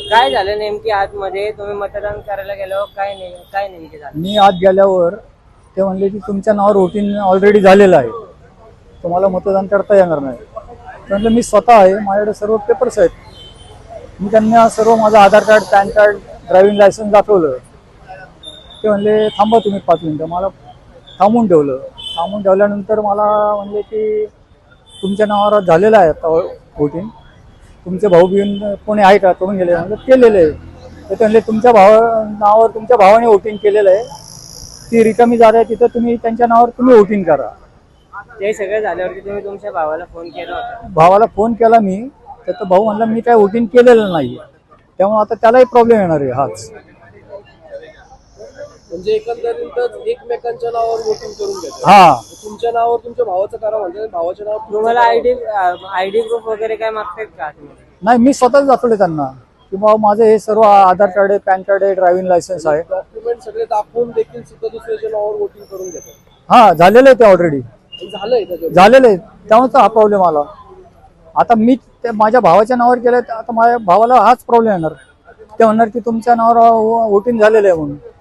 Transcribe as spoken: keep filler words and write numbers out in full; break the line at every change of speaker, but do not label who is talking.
काय झालं नेमकी आतमध्ये तुम्ही मतदान करायला गेल्यावर काय नाही काय नेमके झालं?
मी आत गेल्यावर ते म्हणले की तुमच्या नावावर वोटिंग ऑलरेडी झालेलं आहे, तुम्हाला मतदान करता येणार नाही. म्हटलं मी स्वतः आहे, माझ्याकडे सर्व पेपर्स आहेत. मी त्यांना सर्व माझं Aadhaar card, PAN card, driving licence दाखवलं. ते म्हणले थांबा तुम्ही पाच मिनिटं. मला थांबून ठेवलं. थांबून ठेवल्यानंतर मला म्हणले की तुमच्या नावावर झालेलं आहे आता वोटिंग, तुमचे भाऊ बिन कोणी आहे का? करून गेले. म्हणजे केलेलं आहे. तर ते म्हणले तुमच्या भावा नावावर तुमच्या भावाने वोटिंग केलेलं आहे, ती रिकामी जागा आहे तिथं तुम्ही त्यांच्या नावावर तुम्ही वोटिंग करा.
ते सगळं झाल्यावरती तुम्ही तुमच्या भावाला फोन केला होता?
भावाला फोन केला मी, तर तो भाऊ म्हणला मी काय वोटिंग केलेलं नाही, त्यामुळे आता त्यालाही प्रॉब्लेम येणार आहे हाच.
म्हणजे एकंदरीतच एकमेकांच्या नावावर वोटिंग करून घेतात.
हा,
तुमच्या नावावर तुमच्या भावाचं करा म्हणजे भावाच्या नावावर
तुम्हाला आयडी आयडी प्रूफ वगैरे काय मागतात का?
नाही मी स्वतःच दाखवले त्यांना की बाबा माझं हे सर्व आधार कार्ड आहे, पॅन कार्ड आहे, ड्रायव्हिंग लायसन्स आहे.
डॉक्युमेंट सगळे दाखवून देखील सुद्धा दुसऱ्याच्या नावावर वोटिंग करून घेतात.
हा झालेलं आहे ते ऑलरेडी
झालंय त्याच्यात.
झालेलं आहे, त्यामुळे तर हा प्रॉब्लेम आला. आता मी ते माझ्या भावाच्या नावावर केलं, आता माझ्या भावाला हाच प्रॉब्लेम येणार. ते म्हणणार की तुमच्या नावावर वोटिंग झालेलं आहे म्हणून.